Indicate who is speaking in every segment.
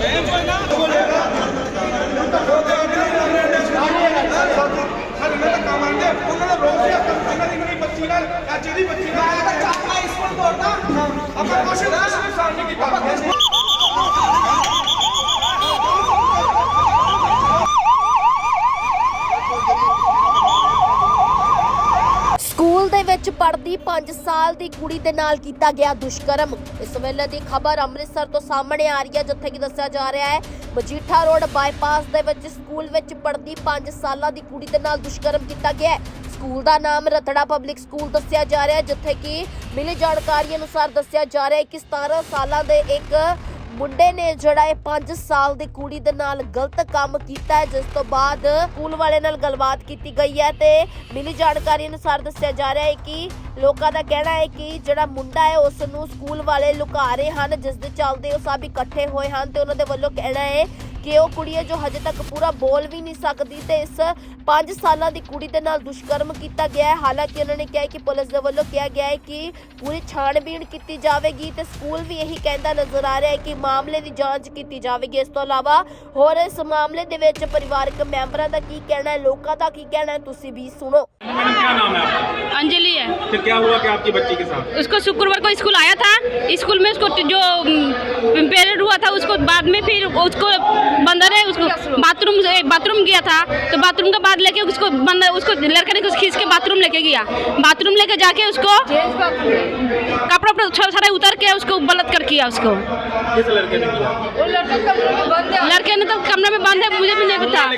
Speaker 1: School ਦੇ ਵਿੱਚ ਪੜ੍ਹਦੀ 5 ਸਾਲ ਦੀ ਕੁੜੀ ਦੇ ਨਾਲ ਕੀਤਾ ਗਿਆ ਦੁਸ਼ਕਰਮ। ਇਸ ਵੇਲੇ ਦੀ ਖਬਰ ਅੰਮ੍ਰਿਤਸਰ ਤੋਂ ਸਾਹਮਣੇ ਆ ਰਹੀ ਹੈ, ਜਿੱਥੇ ਕਿ ਦੱਸਿਆ ਜਾ ਰਿਹਾ ਹੈ ਮਜੀਠਾ ਰੋਡ ਬਾਈਪਾਸ ਦੇ ਵਿੱਚ ਸਕੂਲ ਵਿੱਚ ਪੜ੍ਹਦੀ 5 ਸਾਲਾਂ ਦੀ ਕੁੜੀ ਦੇ ਨਾਲ ਦੁਸ਼ਕਰਮ ਕੀਤਾ ਗਿਆ ਹੈ। ਸਕੂਲ ਦਾ ਨਾਮ ਰਤੜਾ ਪਬਲਿਕ ਸਕੂਲ ਦੱਸਿਆ ਜਾ ਰਿਹਾ ਹੈ, ਜਿੱਥੇ ਕਿ ਮਿਲੀ ਜਾਣਕਾਰੀ ਅਨੁਸਾਰ ਦੱਸਿਆ ਜਾ ਰਿਹਾ ਹੈ ਕਿ 17 ਸਾਲਾਂ ਦੇ ਇੱਕ ਮੁੰਡੇ ਨੇ ਜਿਹੜਾ ਇਹ 5 ਸਾਲ ਦੀ ਕੁੜੀ ਦੇ ਨਾਲ ਗਲਤ ਕੰਮ ਕੀਤਾ ਹੈ, ਜਿਸ ਤੋਂ ਬਾਅਦ ਸਕੂਲ ਵਾਲੇ ਨਾਲ ਗੱਲਬਾਤ ਕੀਤੀ ਗਈ ਹੈ ਤੇ ਮਿਲੀ ਜਾਣਕਾਰੀ ਅਨੁਸਾਰ ਦੱਸਿਆ ਜਾ ਰਿਹਾ ਹੈ ਕਿ ਲੋਕਾਂ ਦਾ ਕਹਿਣਾ ਹੈ ਕਿ ਜਿਹੜਾ ਮੁੰਡਾ ਹੈ ਉਸ ਨੂੰ ਸਕੂਲ ਵਾਲੇ ਲੁਕਾ ਰਹੇ ਹਨ, ਜਿਸ ਦੇ ਚੱਲਦੇ ਉਹ ਸਭ ਇਕੱਠੇ ਹੋਏ ਹਨ ਤੇ ਉਹਨਾਂ ਦੇ ਵੱਲੋਂ ਕਹਿਣਾ ਹੈ ਕਿ ਉਹ ਕੁੜੀ ਹੈ ਜੋ ਹਜੇ ਤੱਕ ਪੂਰਾ ਬੋਲ ਵੀ ਨਹੀਂ ਸਕਦੀ ਤੇ ਇਸ 5 ਸਾਲਾਂ ਦੀ ਕੁੜੀ ਦੇ ਨਾਲ ਦੁਸ਼ਕਰਮ ਕੀਤਾ ਗਿਆ ਹੈ। ਹਾਲਾਂਕਿ ਉਹਨਾਂ ਨੇ ਕਿਹਾ ਕਿ ਪੁਲਿਸ ਦੇ ਵੱਲੋਂ ਕਿਹਾ ਗਿਆ ਹੈ ਕਿ ਪੂਰੀ ਛਾਣਬੀਣ ਕੀਤੀ ਜਾਵੇਗੀ ਤੇ ਸਕੂਲ ਵੀ ਇਹੀ ਕਹਿੰਦਾ ਨਜ਼ਰ ਆ ਰਿਹਾ ਹੈ ਕਿ ਮਾਮਲੇ ਦੀ ਜਾਂਚ ਕੀਤੀ ਜਾਵੇਗੀ। ਇਸ ਤੋਂ ਇਲਾਵਾ ਹੋਰ ਇਸ ਮਾਮਲੇ ਦੇ ਵਿੱਚ ਪਰਿਵਾਰਕ ਮੈਂਬਰਾਂ ਦਾ ਕੀ ਕਹਿਣਾ ਹੈ, ਲੋਕਾਂ ਦਾ ਕੀ ਕਹਿਣਾ ਹੈ, ਤੁਸੀਂ भी सुनो।
Speaker 2: मैडम क्या नाम है आपका?
Speaker 3: अंजलि है।
Speaker 2: तो क्या हुआ कि आपकी बच्ची के साथ?
Speaker 3: उसको शुक्रवार को स्कूल आया था, स्कूल में उसको जो पीरियड हुआ था उसको बाद में फिर उसको बंदर है उसको बाथरूम गया था तो बाथरूम के बाद लेके उसको बंदर उसको लड़के ने खींच के बाथरूम लेके गया। बाथरूम लेके जाके उसको कपड़ा सारा उतर के उसको बलात्कार किया उसको।
Speaker 2: किस लड़के ने किया?
Speaker 3: लड़के ने तो कमरे में बंद है, मुझे भी नहीं पता।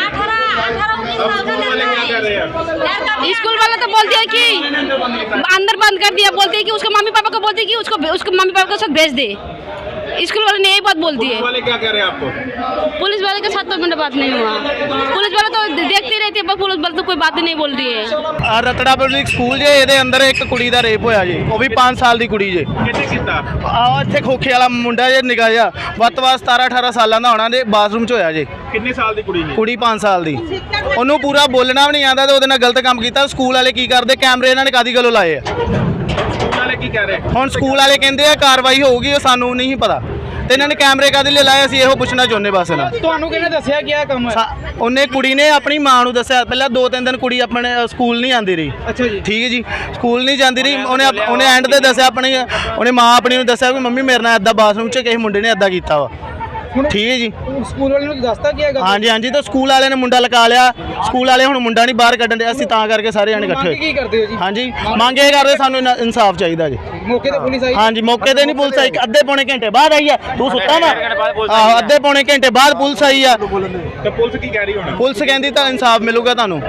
Speaker 3: स्कूल वाले तो बोलते हैं कि अंदर बंद कर दिया, बोलते हैं कि उसको मम्मी पापा को बोलते हैं कि उसको मम्मी पापा के साथ भेज दे। स्कूल वाले ने यही बात बोलती है।
Speaker 2: पुलिस वाले क्या कह रहे हैं आपको?
Speaker 3: पुलिस वाले के साथ तो मेरा बात नहीं हुआ, पुलिस वाले तो देखते रहते हैं, पुलिस वाले तो कोई बात नहीं बोल रही है।
Speaker 4: रतड़ा पब्लिक स्कूल जे ਇਹਦੇ ਅੰਦਰ ਇੱਕ ਕੁੜੀ ਦਾ ਰੇਪ ਹੋਇਆ ਜੀ, ਉਹ ਵੀ 5 ਸਾਲ ਦੀ ਕੁੜੀ ਜੇ।
Speaker 2: कितने कितना?
Speaker 4: ਇੱਥੇ ਖੋਖੇ ਵਾਲਾ ਮੁੰਡਾ ਜੇ ਨਿਕਾ ਜਿਹਾ ਵੱਧ ਤੋਂ ਵੱਧ 17-18 ਸਾਲਾਂ ਦਾ ਹੋਣਾ ਦੇ ਬਾਥਰੂਮ 'ਚ ਹੋਇਆ ਜੇ।
Speaker 2: कितने साल की कुड़ी ने?
Speaker 4: ਕੁੜੀ 5 ਸਾਲ ਦੀ, ਉਹਨੂੰ ਪੂਰਾ ਬੋਲਣਾ ਵੀ ਨਹੀਂ ਆਉਂਦਾ ਤੇ ਉਹਦੇ ਨਾਲ ਗਲਤ ਕੰਮ ਕੀਤਾ। ਸਕੂਲ ਵਾਲੇ ਕੀ ਕਰਦੇ, ਕੈਮਰੇ ਇਹਨਾਂ ਨੇ ਕਾਦੀ ਗੱਲੋਂ ਲਾਏ ਆ।
Speaker 2: स्कूल वाले की कह रहे हैं?
Speaker 4: ਹੁਣ ਸਕੂਲ ਵਾਲੇ ਕਹਿੰਦੇ ਆ ਕਾਰਵਾਈ ਹੋਊਗੀ, ਉਹ ਸਾਨੂੰ ਨਹੀਂ ਪਤਾ ਤੇ ਇਹਨਾਂ ਨੇ ਕੈਮਰੇ ਕਾਦੇ ਲਈ ਲਾਏ, ਅਸੀਂ ਇਹੋ ਪੁੱਛਣਾ ਚਾਹੁੰਦੇ ਬਸ ਨਾ।
Speaker 5: ਤੁਹਾਨੂੰ ਕਿਹਨੇ ਦੱਸਿਆ ਕਿ ਇਹ ਕੰਮ ਹੈ?
Speaker 4: ਉਹਨੇ ਕੁੜੀ ਨੇ ਆਪਣੀ ਮਾਂ ਨੂੰ ਦੱਸਿਆ। ਪਹਿਲਾਂ 2-3 ਦਿਨ ਕੁੜੀ ਆਪਣੇ ਸਕੂਲ ਨਹੀਂ ਆਂਦੀ ਰਹੀ।
Speaker 5: ਅੱਛਾ ਜੀ।
Speaker 4: ਠੀਕ ਹੈ ਜੀ, ਸਕੂਲ ਨਹੀਂ ਜਾਂਦੀ ਰਹੀ। ਉਹਨੇ ਐਂਡ ਤੇ ਦੱਸਿਆ ਆਪਣੀ, ਉਹਨੇ ਮਾਂ ਆਪਣੀ ਨੂੰ ਦੱਸਿਆ ਵੀ ਮੰਮੀ ਮੇਰੇ ਨਾਲ ਇੱਦਾਂ ਬਾਥਰੂਮ 'ਚ ਕਿਸੇ ਮੁੰਡੇ ਨੇ ਇੱਦਾਂ ਕੀਤਾ ਵਾ। ਠੀਕ ਹੈ ਜੀ।
Speaker 5: ਸਕੂਲ ਵਾਲੇ ਨੂੰ ਦੱਸਤਾ ਕੀ ਹੈਗਾ?
Speaker 4: ਹਾਂਜੀ ਹਾਂਜੀ, ਤਾਂ ਸਕੂਲ ਵਾਲਿਆਂ ਨੇ ਮੁੰਡਾ ਲਗਾ ਲਿਆ। ਸਕੂਲ ਵਾਲੇ ਹੁਣ ਮੁੰਡਾ ਨਹੀਂ ਬਾਹਰ ਕੱਢਣ ਦੇ, ਅਸੀਂ ਤਾਂ ਕਰਕੇ ਸਾਰੇ ਜਾਣੇ ਇਕੱਠੇ
Speaker 5: ਕੀ ਕਰਦੇ ਹੋ ਜੀ?
Speaker 4: ਹਾਂਜੀ, ਮੰਗ ਇਹ ਕਰਦੇ ਸਾਨੂੰ ਇਨਸਾਫ ਚਾਹੀਦਾ ਜੀ।
Speaker 5: ਮੌਕੇ ਤੇ ਪੁਲਿਸ ਆਈ?
Speaker 4: ਹਾਂਜੀ, ਮੌਕੇ ਤੇ ਨਹੀਂ ਪੁਲਿਸ ਆਈ, ਅੱਧੇ ਪੌਣੇ ਘੰਟੇ ਬਾਅਦ ਆਈ ਆ। ਤੂੰ ਸੁੱਤਾ ਵਾ? ਆਹੋ, ਅੱਧੇ ਪੌਣੇ ਘੰਟੇ ਬਾਅਦ ਪੁਲਿਸ ਆਈ ਆ।
Speaker 2: तो पुलिस की कह रही होना?
Speaker 4: ਪੁਲਿਸ ਕਹਿੰਦੀ ਤਾਂ ਇਨਸਾਫ ਮਿਲੂਗਾ ਤੁਹਾਨੂੰ।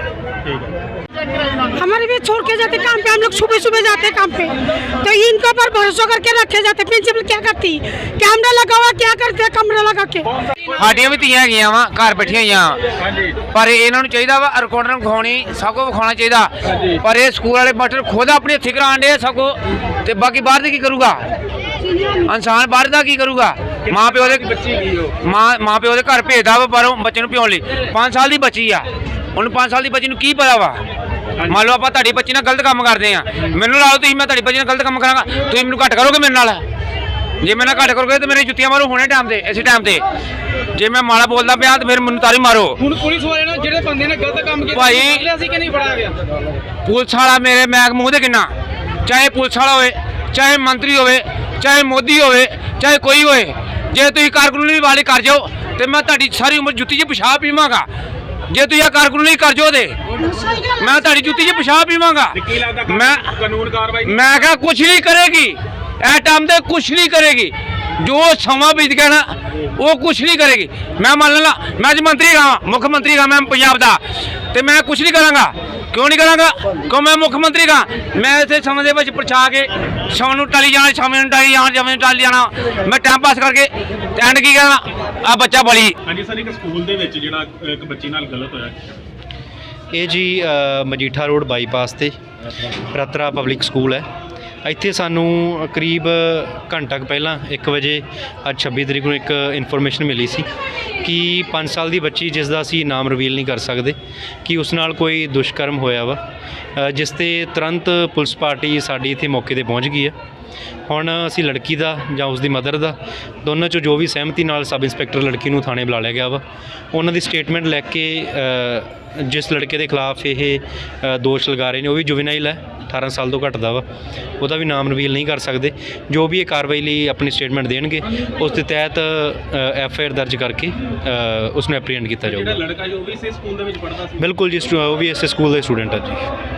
Speaker 6: हमारे भी छोड़ के जाते काम पे, हम लोग सुबह सुबह जाते काम पे, तो इनके ऊपर भरोसा करके रखे जाते। प्रिंसिपल क्या करती, कैमरा लगा हुआ क्या करते, कमरा लगा के।
Speaker 7: ਸਾਡੀਆਂ ਵੀ ਧੀਆਂ ਹੈਗੀਆਂ ਵਾ, ਘਰ ਬੈਠੀਆਂ ਹੋਈਆਂ,
Speaker 2: ਹਾਂਜੀ।
Speaker 7: ਪਰ ਇਹਨਾਂ ਨੂੰ ਚਾਹੀਦਾ ਵਾ ਰਿਕਾਰਡਰ ਵਿਖਾਉਣੀ, ਸਭ ਕੁਝ ਵਿਖਾਉਣਾ ਚਾਹੀਦਾ। ਪਰ ਇਹ ਸਕੂਲ ਵਾਲੇ ਮਾਸਟਰ ਖੁਦ ਆਪਣੇ ਹੱਥੀਂ ਕਰਾਉਣ ਦੇ ਸਭ ਕੁਝ, ਤੇ ਬਾਕੀ ਬਾਹਰ ਦੇ ਕੀ ਕਰੂਗਾ? ਇਨਸਾਨ ਬਾਹਰ ਦਾ ਕੀ ਕਰੂਗਾ? ਮਾਂ ਪਿਓ ਦੇ
Speaker 2: बच्ची की हो?
Speaker 7: ਮਾਂ ਪਿਓ ਦੇ ਘਰ ਭੇਜਦਾ ਵਾ ਬਾਹਰੋਂ ਬੱਚੇ ਨੂੰ ਪਿਆਉਣ ਲਈ। 5 ਸਾਲ ਦੀ ਬੱਚੀ ਆ, ਉਹਨੂੰ 5 ਸਾਲ ਦੀ ਬੱਚੀ ਨੂੰ ਕੀ ਪਤਾ ਵਾ? ਮੰਨ ਲਓ ਆਪਾਂ ਤੁਹਾਡੀ ਬੱਚੀ ਨਾਲ ਗਲਤ ਕੰਮ ਕਰਦੇ ਆ, ਮੈਨੂੰ ਲਾਓ ਤੁਸੀਂ, ਮੈਂ ਤੁਹਾਡੀ ਬੱਚੀ ਨਾਲ ਗਲਤ ਕੰਮ ਕਰਾਂਗਾ, ਤੁਸੀਂ ਮੈਨੂੰ ਘੱਟ ਕਰੋਗੇ ਮੇਰੇ ਨਾਲ? ਜੇ ਮੇਰੇ ਨਾਲ ਘੱਟ ਕਰੋਗੇ ਤਾਂ ਮੇਰੇ ਜੁੱਤੀਆਂ ਮਾਰੋ ਹੁਣੇ ਟਾਈਮ ਤੇ, ਇਸੇ ਟਾਈਮ ਤੇ। ਜੇ ਮੈਂ ਮਾੜਾ ਬੋਲਦਾ ਪਿਆ ਤਾਂ ਫਿਰ ਮੈਨੂੰ ਤਾਰੀ ਮਾਰੋ।
Speaker 5: ਹੁਣ ਪੁਲਿਸ ਵਾਲੇ ਨੇ ਜਿਹੜੇ ਬੰਦੇ ਨੇ ਗਲਤ ਕੰਮ ਕੀਤਾ
Speaker 7: ਭਾਈ,
Speaker 5: ਅਸੀਂ ਕਿ ਨਹੀਂ ਫੜਾਇਆ ਗਿਆ?
Speaker 7: ਪੁਲਿਸ ਵਾਲਾ ਮੇਰੇ ਮੈਗ ਮੂੰਹ ਦੇ ਕਿੰਨਾ, ਚਾਹੇ ਪੁਲਿਸ ਵਾਲਾ ਹੋਵੇ, ਚਾਹੇ ਮੰਤਰੀ ਹੋਵੇ, ਚਾਹੇ ਮੋਦੀ ਹੋਵੇ, ਚਾਹੇ ਕੋਈ ਹੋਵੇ, ਜੇ ਤੁਸੀਂ ਕਾਰਕੁਨੀ ਵਾਲੇ ਕਰ ਜਾਓ ਤੇ ਮੈਂ ਤੁਹਾਡੀ ਸਾਰੀ ਉਮਰ ਜੁੱਤੀ 'ਚ ਪਿਸ਼ਾਬ ਪੀਵਾਂਗਾ। ਜੇ ਤੁਸੀਂ ਇਹ ਕਾਰਕੁਨੀ ਕਰ ਜਾਓ ਤੇ ਮੈਂ ਤੁਹਾਡੀ ਜੁੱਤੀ 'ਚ ਪਿਸ਼ਾਬ ਪੀਵਾਂਗਾ।
Speaker 2: की लगता
Speaker 7: मैं
Speaker 2: कानून कार्रवाई?
Speaker 7: मैं क्या कुछ नहीं करेगी, ए टाइम ते कुछ नहीं करेगी, जो समा बीत गया ना वो कुछ नहीं करेगी। मैं मान ला मैं अज मंत्री रहा, मुख्यमंत्री रहा मैं पंजाब का, तो मैं कुछ नहीं करांगा। क्यों नहीं करांगा? क्यों मैं मुख्यमंत्री का, मैं इस समय के बच्चे पहुँचा के शाम को टाली जाना, शाम को टाली जाना, शाम को टाली जाना, मैं टाइम पास करके एंड की कहना आ बच्चा बड़ी।
Speaker 2: हाँ जी सर, एक स्कूल ਦੇ ਵਿੱਚ ਜਿਹੜਾ ਇੱਕ ਬੱਚੀ ਨਾਲ ਗਲਤ ਹੋਇਆ,
Speaker 8: ਇਹ ਜੀ ਮਜੀਠਾ ਰੋਡ ਬਾਈਪਾਸ ਤੇ ਰਤੜਾ ਪਬਲਿਕ ਸਕੂਲ ਹੈ। ਇੱਥੇ ਸਾਨੂੰ ਕਰੀਬ ਘੰਟਾ ਕੁ ਪਹਿਲਾਂ 1 ਵਜੇ ਅੱਜ 26 ਤਰੀਕ ਨੂੰ ਇੱਕ ਇਨਫੋਰਮੇਸ਼ਨ ਮਿਲੀ ਸੀ ਕਿ 5 ਸਾਲ ਦੀ ਬੱਚੀ ਜਿਸ ਦਾ ਅਸੀਂ ਨਾਮ ਰਿਵੀਲ ਨਹੀਂ ਕਰ ਸਕਦੇ ਕਿ ਉਸ ਨਾਲ ਕੋਈ ਦੁਸ਼ਕਰਮ ਹੋਇਆ ਵਾ, ਜਿਸ ਤੇ ਤੁਰੰਤ ਪੁਲਿਸ ਪਾਰਟੀ ਸਾਡੀ ਇੱਥੇ ਮੌਕੇ ਤੇ ਪਹੁੰਚ ਗਈ ਹੈ। ਹੁਣ ਅਸੀਂ ਲੜਕੀ ਦਾ ਜਾਂ ਉਸ ਦੀ ਮਦਰ ਦਾ ਦੋਨਾਂ 'ਚੋਂ ਜੋ ਵੀ ਸਹਿਮਤੀ ਨਾਲ ਸਬ ਇੰਸਪੈਕਟਰ ਲੜਕੀ ਨੂੰ ਥਾਣੇ ਬੁਲਾ ਲਿਆ ਗਿਆ ਵਾ। ਉਹਨਾਂ ਦੀ ਸਟੇਟਮੈਂਟ ਲੈ ਕੇ ਜਿਸ ਲੜਕੇ ਦੇ ਖਿਲਾਫ ਇਹ ਦੋਸ਼ ਲਗਾ ਰਹੇ ਨੇ ਉਹ ਵੀ ਜੁਵੇਨਾਈਲ ਹੈ, 18 ਸਾਲ ਤੋਂ ਘੱਟ ਦਾ ਵਾ, ਉਹਦਾ ਵੀ ਨਾਮ ਰਿਵੀਲ ਨਹੀਂ ਕਰ ਸਕਦੇ। ਜੋ ਵੀ ਇਹ ਕਾਰਵਾਈ ਲਈ ਆਪਣੀ ਸਟੇਟਮੈਂਟ ਦੇਣਗੇ ਉਸ ਦੇ ਤਹਿਤ FIR ਦਰਜ ਕਰਕੇ ਉਸ ਨੂੰ ਐਪਰੀਹੈਂਡ ਕੀਤਾ ਜਾਊਗਾ।
Speaker 2: ਜਿਹੜਾ ਲੜਕਾ ਜੋ ਵੀ ਇਸੇ ਸਕੂਲ ਦੇ ਵਿੱਚ ਪੜ੍ਹਦਾ ਸੀ?
Speaker 8: ਬਿਲਕੁਲ ਜੀ, ਉਹ ਵੀ ਇਸੇ ਸਕੂਲ ਦਾ ਸਟੂਡੈਂਟ ਹੈ ਜੀ।